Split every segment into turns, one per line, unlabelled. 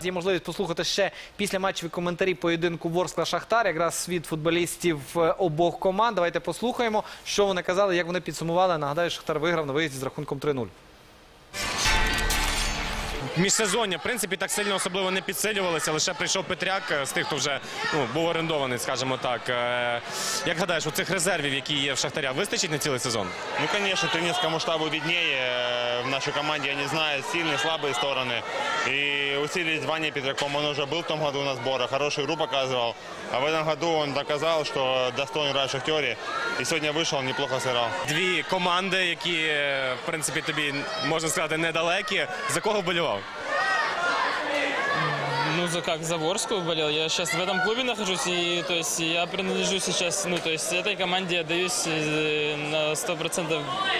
є можливість послухати ще після матчеві коментарі поєдинку Ворскла-Шахтар, якраз від футболістів обох команд. Давайте послухаємо, що вони казали, як вони підсумували. Нагадаю, Шахтар виграв на виїзді з рахунком 3-0.
Міжсезоння, в принципі, так сильно особливо не підсилювалися, лише прийшов Петряк з тих, хто вже був орендований, скажімо так. Як гадаєш, у цих резервів, які є в Шахтаря, вистачить на цілий сезон?
Ну, конечно, тренерскому штабу виднее. В нашей команде они знают сильные, слабые стороны. И усилить Ваня Петряком, он уже был в том году на сборах, хорошую игру показывал. А в этом году он доказал, что достоин играть в Шахтере. И сегодня вышел, неплохо сыграл.
Дві команди, які, в принципі, тобі, можна сказати, недалекі. За кого вболівав?
Ну, за Ворскую болел. Я сейчас в этом клубе нахожусь, и то есть я принадлежу сейчас, ну, то есть этой команде отдаюсь на 100%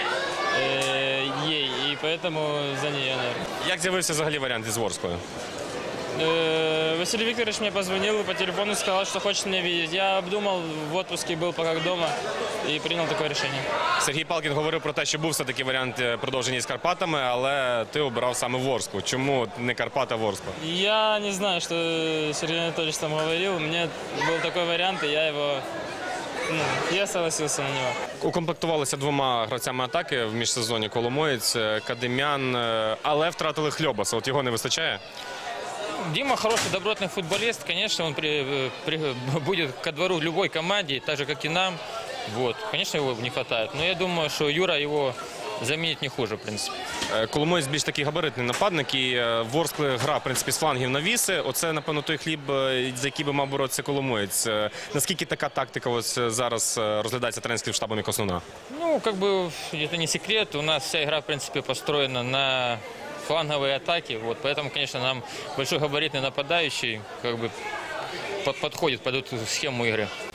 ей, и поэтому за нее, наверное.
Як з'явився взагалі варіант із Ворскою?
Василий Викторович мне позвонил и по телефону сказал, что хочет меня видеть. Я обдумал, в отпуске был пока дома и принял такое решение.
Сергій Палкін говорив про те, що був все-таки варіант продовження з Карпатами, але ти обирав саме Ворсклу. Чому не Карпата, а Ворскла?
Я не знаю, что Сергей Анатольевич там говорил. Мне был такой вариант, и я согласился на него.
Укомплектувалися двома гравцями атаки в міжсезоні: Коломоєць, Кадимян, але втратили Хльобаса. От його не вистачає?
Дима хороший, добротный футболист. Конечно, он будет ко двору любой команде, так же, как и нам. Вот. Конечно, его не хватает. Но я думаю, что Юра его заменит не хуже, в принципе.
Коломоєць більш такий габаритний нападник, і Ворскли гра, в принципі, з флангів навіси. Оце, напевно, той хліб, за який би мав боротися Коломоєць. Наскільки така тактика ось зараз розглядається тренерським штабом як основна?
Ну, как бы, это не секрет. У нас вся игра, в принципе, построена на фланговые атаки. Вот, поэтому, конечно, нам большой габаритный нападающий как бы подходит под эту схему игры.